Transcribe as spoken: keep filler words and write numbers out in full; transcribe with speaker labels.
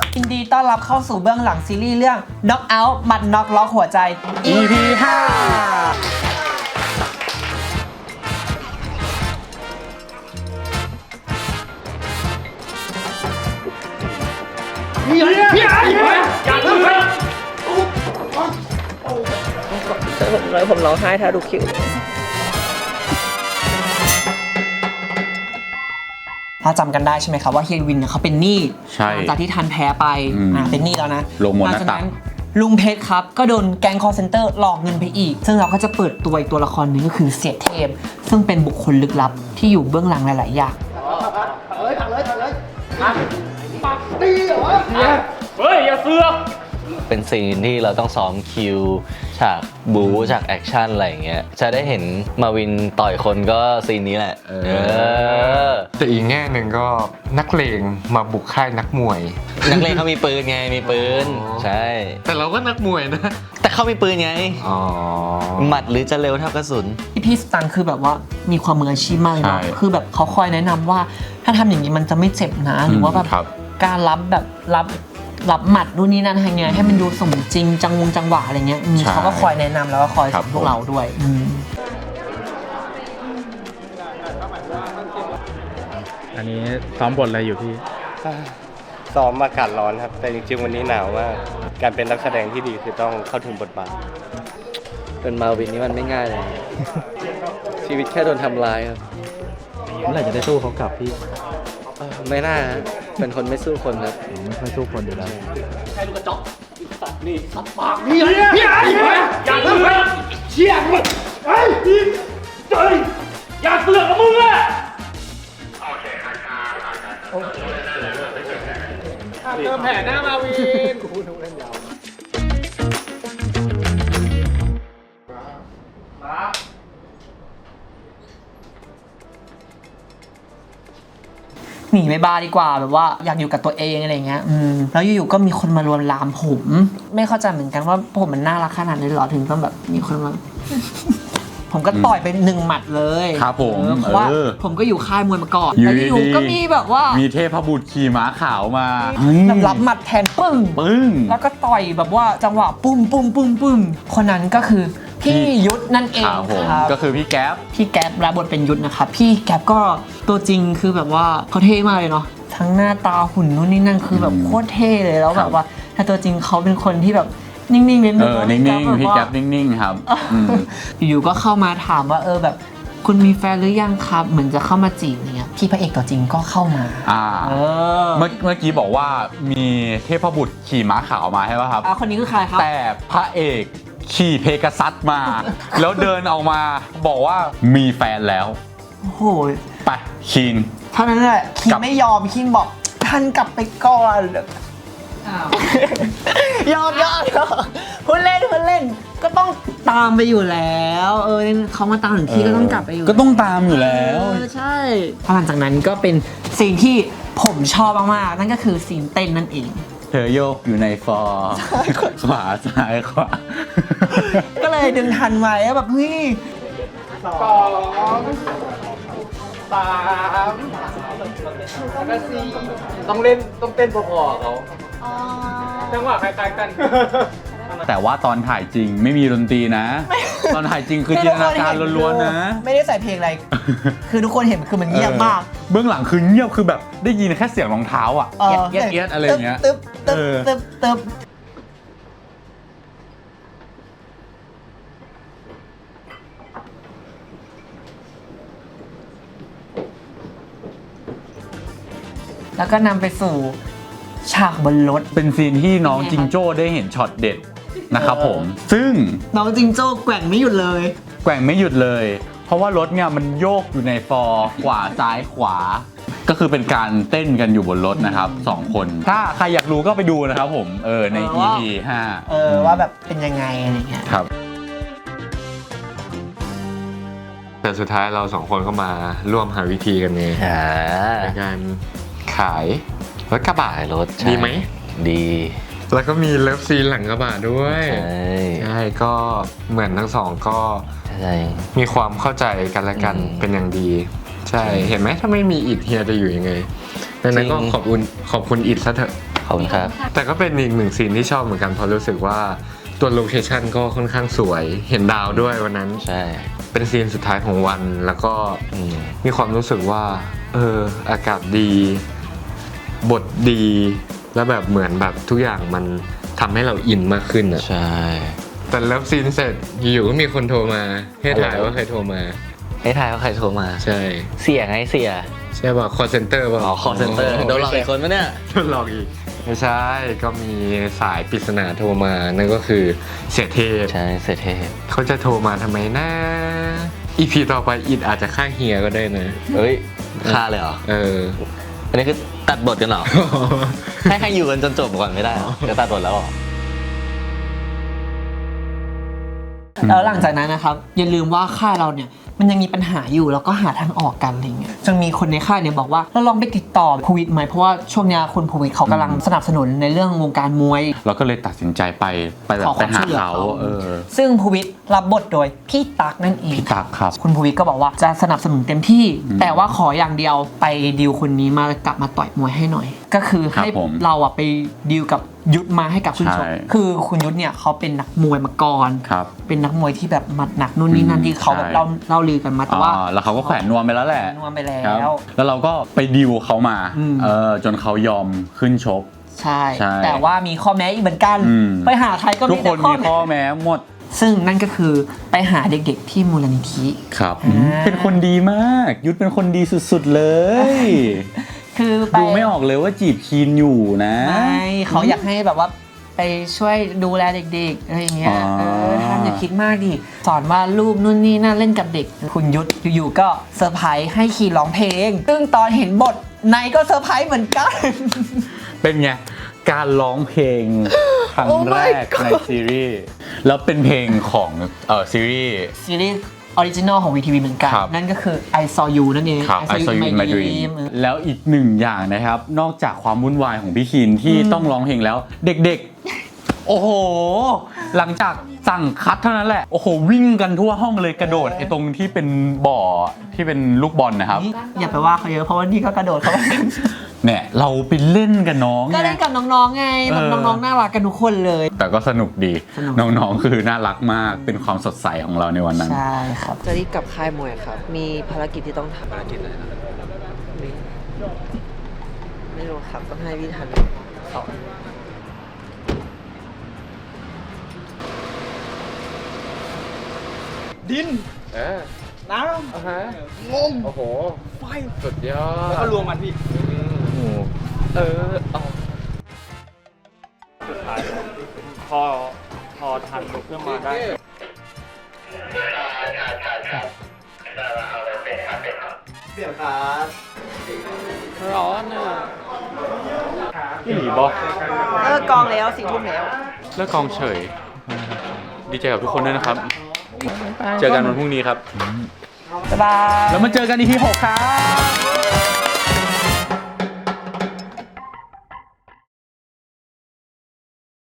Speaker 1: ยินดีต้อนรับเข้าสู่เบื้องหลังซีรีส์เรื่อง Knock Out หมัดน็อกล็อกหัวใจ
Speaker 2: อี พี ห้า
Speaker 3: พี่พี่อย่าเพิ่งเลย
Speaker 1: ผมเลยผมร้องไห้ถ้าดูคิวถ้าจำกันได้ใช่ไหมครับว่าเฮียวินเนี่ยเขาเป็นหนี้หลังจากที่ทันแพ้ไปอ่าเป็นหนี้แล้วนะ
Speaker 2: ลงหมดหน้าตัก
Speaker 1: ลุงเพชรครับก็โดนแก๊งคอลเซ็นเตอร์หลอกเงินไปอีกซึ่งเราก็จะเปิดตัวอีกตัวละครหนึ่งก็คือเสียเทพซึ่งเป็นบุคคลลึกลับที่อยู่เบื้องหลังหลายๆอย่าง
Speaker 3: เลยถังเลยถังเลยปักตีเหรอเฮ้ยอย่าเสือก
Speaker 4: เป็นซีนที่เราต้องซ้อมคิวฉากบู๊ฉากแอคชั่นอะไรอย่างเงี้ยจะได้เห็นมาวินต่อยคนก็ซีนนี้แหละเออ
Speaker 5: แต่อีกแง่หนึ่งก็นักเลงมาบุกค่ายนักมวย
Speaker 4: นักเลงเขามีปืนไงมีปืนใช่
Speaker 5: แต่เราก็นักมวยนะ
Speaker 4: แต่เขามีปืนไง
Speaker 5: อ๋อ
Speaker 4: หมัดหรือจะเร็วเท่ากระสุน
Speaker 1: พี่พี่สตังคือแบบว่ามีความมืออาชีพมากเลยเนาะ
Speaker 5: ใช่
Speaker 1: คือแบบเขาคอยแนะนำว่าถ้าทำอย่างนี้มันจะไม่เจ็บนะหรือว่าแบบ
Speaker 5: ครับ
Speaker 1: การรับแบบรับรับหมัดนู่นนี่นั่นยังไงให้มันดูสมจริงจังวงจังหวะอะไรเงี้ยอืมเขาก็คอยแนะนำแล้วก็คอยสอนพวกเราด้วยอืม
Speaker 6: อันนี้ซ้อมบทอะไรอยู่พี่
Speaker 7: ซ้อมอากาศร้อนครับ แต่จริงๆวันนี้หนาวมากการเป็นนักแสดงที่ดีคือต้องเข้าถึงบทบาท
Speaker 4: เป็นมาวินนี่มันไม่ง่ายเลย ชีวิตแค่โดนทำร้ายครับ
Speaker 6: เมื่อไหร่จะได้สู้เขากลับพี่
Speaker 4: เออไม่น่าฮะเป็นคนไม่สู้คนครับ
Speaker 6: ไม่ค่อยสู้คนอยู่แล้ว
Speaker 3: พี่พี่อย่าเพิ่งเลยเชี่ยมึงไอ้พี่เฮ้ยอย่าเสือกกับมึงอะเติมแผ่หน้ามาวินกูพูดทุกเล่นยาวมา
Speaker 1: หนีไปบาร์ดีกว่าแบบว่าอยากอยู่กับตัวเองอะไรเงี้ยอืมแล้วอยู่ๆก็มีคนมาลวนลามผมไม่เข้าใจเหมือนกันว่าผมมันน่ารักขนาดนี้หรอถึงต้องแบบมีคนมา ผมก็ต่อยไปหนึ่งหมัดเลย
Speaker 2: ครับผม
Speaker 1: เออเพราะว่า
Speaker 2: เออ
Speaker 1: ผมก็อยู่ค่ายมวยมาก่อน
Speaker 2: อยู่
Speaker 1: แล้วอยู่
Speaker 2: ดีๆ
Speaker 1: ๆก็มีแบบว่า
Speaker 2: มีเทพบุตรขี่ม้าขาวมา
Speaker 1: แบบรับหมัดแทนปึ้ง
Speaker 2: ปึ้ง
Speaker 1: แล้วก็ต่อยแบบว่าจังหวะปุ้มปุ้มปุ้มปุ้มคนนั้นก็คือพี่ยุทธนั่นเอง
Speaker 2: ครับผม
Speaker 1: ครับ
Speaker 2: ก็คือพี่แก๊ป
Speaker 1: พี่แก๊ปรับบทเป็นยุทธนะครับพี่แก๊ปก็ตัวจริงคือแบบว่าเขาเท่มากเลยเนาะทั้งหน้าตาหุ่นนู่นนี่นั่นคือแบบโคตรเท่เลยแล้วแบบว่าถ้าตัวจริงเขาเป็นคนที่แบบนิ่งๆนิดนึ
Speaker 2: เอง อ นิ่งๆ พี่แก๊ปนิ่งๆ ครับอืม
Speaker 1: อยู่ๆก็เข้ามาถามว่าเออแบบคุณมีแฟนหรือยังครับเหมือนจะเข้ามาจีบอะไรเงี้ยพี่พระเอกตัวจริงก็เข้ามา
Speaker 2: อ่า
Speaker 1: เออ
Speaker 2: เมื่อเมื่อกี้บอกว่ามีเทพบุตรขี่ม้าขาวมาใช่ป่ะครับ
Speaker 1: อ่ะคนนี้คือใครครับ
Speaker 2: แต่พระเอกขี่เพกาซัสมา แล้วเดินออกมาบอกว่ามีแฟนแล้ว
Speaker 1: โอ้โห
Speaker 2: ไปคีน
Speaker 1: เท่านั้นแหละคิ
Speaker 2: กลั
Speaker 1: น
Speaker 2: บ
Speaker 1: ไม่ยอมคินบอกท่านกลับไปก่อนยอมยอมยอมพูดเล่นพูดเล่นก็ต้องตามไปอยู่แล้วเออเขามาตามถึงที่ก็ต้องกลับไปอยู่
Speaker 2: ก็ต้องตามอยู่แล้ว
Speaker 1: เออใช่หลังจากนั้นก็เป็นซีนที่ผมชอบมากๆนั่นก็คือซีนเต้นนั่นเอง
Speaker 2: เธอโยกอยู่ในฟอร์ขวาซ้ายขวา
Speaker 1: ก็เลยดึงทันไว้แบบเฮ้ย
Speaker 3: สองสามแล้วก็สี่ต้องเล่นต้องเต้นพอๆเขาจังหวะคล้ายๆกัน
Speaker 2: แต่ว่าตอนถ่ายจริงไม่มีดนตรีนะ ตอนถ่ายจริงคือจินตนาการล้วนๆนะ
Speaker 1: ไม่ได้ใส่เพลงอะไร คือทุกคนเห็นคือมันเงียบมาก
Speaker 2: เบื้องหลังคือเงียบคือแบบได้ยินแค่เสียงรองเท้าอ่ะ
Speaker 1: เออ
Speaker 2: เอียดเอียดอะไรอย่างเงี้ย
Speaker 1: ตึ๊บตึ๊บ
Speaker 2: เออ
Speaker 1: ตึ๊บตึ๊บแล้วก็นำไปสู่ฉากบนรถ
Speaker 2: เป็นซีนที่น้องจิงโจ้ได้เห็นช็อตเด็ดนะครับผม ซึ่ง
Speaker 1: น้องจิงโจ้แกว่งไม่หยุดเลย
Speaker 2: แกว่งไม่หยุดเลย เพราะว่ารถเนี่ยมันโยกอยู่ในฟอร์ขวาซ้ายขวา ก็คือเป็นการเต้นกันอยู่บนรถนะครับสองคน ถ้าใครอยากรู้ก็ไปดูนะครับผมเออใน
Speaker 1: เออ
Speaker 2: อี
Speaker 1: ว่า
Speaker 2: พี ห้า
Speaker 1: เออว่าแบบเป็นยังไงอะไรเงี้ย
Speaker 2: ครับ
Speaker 5: แต่สุดท้ายเราสองคนก็มาร่วมหาวิธีกันเอง
Speaker 4: อ่า
Speaker 5: ในการขายรถกระบะ
Speaker 4: รถ
Speaker 5: ดีไหม
Speaker 4: ดี
Speaker 5: แล้วก็มีเลิฟซีนหลังกระบะด้วย
Speaker 4: ใช่
Speaker 5: ใช่ก็เหมือนทั้งสองก็
Speaker 4: ใช่
Speaker 5: มีความเข้าใจกันและกัน
Speaker 4: อืม
Speaker 5: เป็นอย่างดี ใช่เห็นไหมถ้าไม่มีอิดเฮียจะอยู่ยังไงดังนั้นก็ขอบคุณขอบคุณอิดซะเถอะ
Speaker 4: ขอบคุณครับ
Speaker 5: แต่ก็เป็นอีกหนึ่งซีนที่ชอบเหมือนกันเพราะรู้สึกว่าตัวโลเคชั่นก็ค่อนข้างสวยเห็นดาวด้วยวันนั้น
Speaker 4: ใช่
Speaker 5: เป็นซีนสุดท้ายของวันแล้วก็
Speaker 4: อืม
Speaker 5: มีความรู้สึกว่าเอออากาศดี บทดี แล้วแบบเหมือนแบบทุกอย่างมันทำให้เราอินมากขึ้นอะ
Speaker 4: ใช่
Speaker 5: แต่เลิฟซีนเสร็จอยู่ๆก็มีคนโทรมาให้ถ่ายว่าใครโทรมา
Speaker 4: ให้ทายว่าใครโทรมา
Speaker 5: ใช่
Speaker 4: เสียไงเสีย
Speaker 5: ใช่ป่ะคอเซนเตอร์ป่ะ
Speaker 4: อ๋อ call center โดนหลอกอีกคนปะเนี่ย
Speaker 5: โดนหลอกอีกไม่ใช่ก็มีสายปริศนาโทรมานั่นก็คือเสียเทพ
Speaker 4: ใช่เสียเทพ
Speaker 5: เขาจะโทรมาทำไมนะอีพีต่อไปอิดอาจจะฆ่าเฮียก็ได้นะ
Speaker 4: เฮ้ยฆ่าเลยเหรอ
Speaker 5: เออ
Speaker 4: อันนี้คือตัดบทกันเหรอ ให้ให้อยู่กันจนจบก่อนไม่ได้เหรอจะตัดบทแล้วเหรอ
Speaker 1: แล้วหลังจากนั้นนะครับอย่าลืมว่าค่ายเราเนี่ยมันยังมีปัญหาอยู่แล้วก็หาทางออกกันอะไรเงี้ยจนมีคนในค่ายเนี่ยบอกว่าเราลองไปติดต่อภูวิทย์ไหมเพราะว่าช่วงเนี้ยคุณภูวิทย์เขากำลังสนับสนุนในเรื่องวงการมวย
Speaker 2: เราก็เลยตัดสินใจไปไปแบบ
Speaker 1: ขอค
Speaker 2: ไป
Speaker 1: วาม
Speaker 2: หา
Speaker 1: ช่วยเหลือ
Speaker 2: เขา
Speaker 1: เขา
Speaker 2: เออ
Speaker 1: ซึ่งภูวิทย์รับบทโดยพี่ตั๊กนั่นเอง
Speaker 2: พี่ตั๊กครับ
Speaker 1: คุณภูวิทย์ก็บอกว่าจะสนับสนุนเต็มที่
Speaker 2: อืม
Speaker 1: แต่ว่าขออย่างเดียวไปดีลคนนี้มากลับมาต่อยมวยให้หน่อย ก็คือให้
Speaker 2: ครับผม
Speaker 1: เราอะไปดีลกับยุทธมาให้กับคุณชก
Speaker 2: ใช่
Speaker 1: คือคุณยุทธเนี่ยเขาเป็นนักมวยมาก่อน
Speaker 2: ครับ
Speaker 1: เป็นนักมวยที่แบบหมัดหนักนู่นนี่นั่นที่เขาแบบ
Speaker 2: ใช่
Speaker 1: เล่าเล่าลือกันมาแต่ว่า
Speaker 2: อ่าแล้วเขาก็แขวนนวมไปแล้วแหละ
Speaker 1: นวมไปแล้
Speaker 2: ครับ
Speaker 1: ว
Speaker 2: แล้วเราก็ไปดิวเขามา
Speaker 1: อืม
Speaker 2: เออจนเขายอมขึ้นชก
Speaker 1: ใช่
Speaker 2: ใช่
Speaker 1: แต่ว่ามีข้อแม้อีกเหมือนกัน
Speaker 2: อืม
Speaker 1: ไปหาใครก็
Speaker 2: ทุก
Speaker 1: มี
Speaker 2: ค
Speaker 1: แต่
Speaker 2: น
Speaker 1: ข้อ
Speaker 2: มี
Speaker 1: แม้
Speaker 2: ข้อแม้หมด
Speaker 1: ซึ่งนั่นก็คือไปหาเด็กๆที่มูลนิธิ
Speaker 2: ครับ
Speaker 1: อ่า
Speaker 2: เป็นคนดีมาก ยุทธเป็นคนดีสุดๆเลย
Speaker 1: คือไป
Speaker 2: ดูไม่ออกเลยว่าจีบคีนอยู่นะ
Speaker 1: ไม่เขาอยากให้แบบว่าไปช่วยดูแลเด็กๆอะไรอย่างเงี้ย
Speaker 2: อ๋อ
Speaker 1: เออท่านอย่าคิดมากดิสอนว่ารูปนู่นนี่นั่นเล่นกับเด็ก คุณยุทธอยู่ๆก็เซอร์ไพรส์ให้คีร้องเพลง ซึ่งตอนเห็นบทในก็เซอร์ไพรส์เหมือนกัน
Speaker 2: เป็นไง การร้องเพลงครั้ง
Speaker 1: Oh my
Speaker 2: แรกในซีรีส์แล้วเป็นเพลงของเออซีรีส์
Speaker 1: ซีรีส์ออริจินอลของ วี ที วี เหมือนกัน
Speaker 2: ครับ
Speaker 1: นั่นก็คือ I saw you นั่นเอง
Speaker 2: ครับ I saw you in my dream แล้วอีกหนึ่งอย่างนะครับ นอกจากความวุ่นวายของพี่คินที่ต้องร้องเพลงแล้ว เด็กๆ โอ้โห หลังจากสั่งคัดเท่านั้นแหละ โอ้โห วิ่งกันทั่วห้องเลยกระโดดไอ้ตรงที่เป็นบ่อที่เป็นลูกบอลนะครับ
Speaker 1: อย่าไปว่าเขาเยอะเพราะว่านี่ก็กระโดดเข้าไป
Speaker 2: เนี่ยเราไปเล่นกับน้อง
Speaker 1: ก็
Speaker 2: ไง
Speaker 1: เล่นกับน้องๆไงแบบ
Speaker 2: เออ
Speaker 1: น้องๆน่ารักกันทุกคนเลย
Speaker 2: แต่ก็สนุกดี
Speaker 1: สนุก
Speaker 2: น้องๆ คือน่ารักมากเป็นความสดใสของเราในวันนั้น
Speaker 1: ใช่ครับ
Speaker 8: จะรีบกลับค่ายมวยครับ มีภารกิจที่ต้องทำภารกิจอะไรไม่ไม่รู้ครับ ต้องให้พี่ทันสอน
Speaker 3: ดิน
Speaker 5: เออ
Speaker 3: น้
Speaker 5: อ่ะฮะ
Speaker 3: ำงม
Speaker 5: โอ้โห
Speaker 3: ไฟ
Speaker 5: สุดยอด
Speaker 3: แล้วก็รวมมันพี่
Speaker 5: เออเอา
Speaker 3: สุดท้ายพอพอทันลุกขึ้นมาได้ เดี๋ยวครับร้อนอ่ะพี่หลีบอ
Speaker 8: เออกองแล้วสี่ทุ่มแล้ว
Speaker 2: เลิกกองเฉย ดีใจกับทุกคนด้วยนะครับ เจอกันวันพรุ่งนี้ครับ
Speaker 1: บ๊ายบาย
Speaker 2: แล้วมาเจอกันอีพีหกครับ